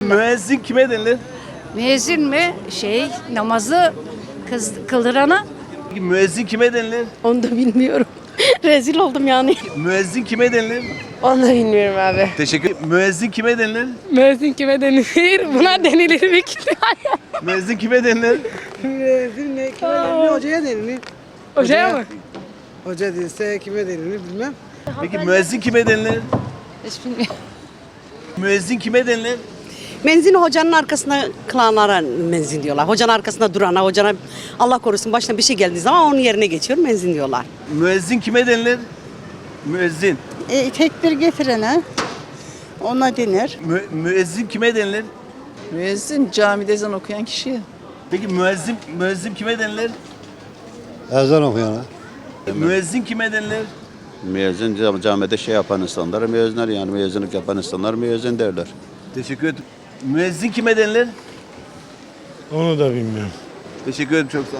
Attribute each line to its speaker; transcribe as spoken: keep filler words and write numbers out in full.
Speaker 1: müezzin kime denilir?
Speaker 2: Müezzin mi? Şey, namazı kız, kıldırana.
Speaker 1: Peki müezzin kime denilir?
Speaker 3: Onu da bilmiyorum. Rezil oldum yani.
Speaker 1: Müezzin kime denilir?
Speaker 3: Onu da bilmiyorum abi.
Speaker 1: Teşekkür Müezzin kime denilir?
Speaker 3: Müezzin kime denilir? Buna denilir büyük ihtimalle.
Speaker 1: Müezzin kime denilir?
Speaker 4: Müezzin ne kime denilir? Hocaya denilir.
Speaker 3: Hocaya mı?
Speaker 4: Hoca değilse kime denilir bilmem.
Speaker 1: Peki müezzin kime denilir?
Speaker 3: Hiç bilmiyorum.
Speaker 1: Müezzin kime denilir?
Speaker 5: Menzin hocanın arkasında kılanlara menzin diyorlar. Hocanın arkasında durana, hocana Allah korusun başına bir şey geldiği zaman onun yerine geçiyor menzin diyorlar.
Speaker 1: Müezzin kime denilir? Müezzin.
Speaker 6: E, tekbir getirene ona denir.
Speaker 1: Mü, müezzin kime denilir?
Speaker 7: Müezzin camide ezan okuyan kişiye.
Speaker 1: Peki müezzin müezzin kime denilir?
Speaker 8: Ezan okuyana.
Speaker 1: Müezzin kime denilir?
Speaker 9: Müezzin cam- camide şey yapan insanlar müezzinler yani müezzinlik yapan insanlar müezzin derler.
Speaker 1: Teşekkür ederim. Müezzin kime denilir?
Speaker 8: Onu da bilmiyorum.
Speaker 1: Teşekkür ederim çok sağ ol.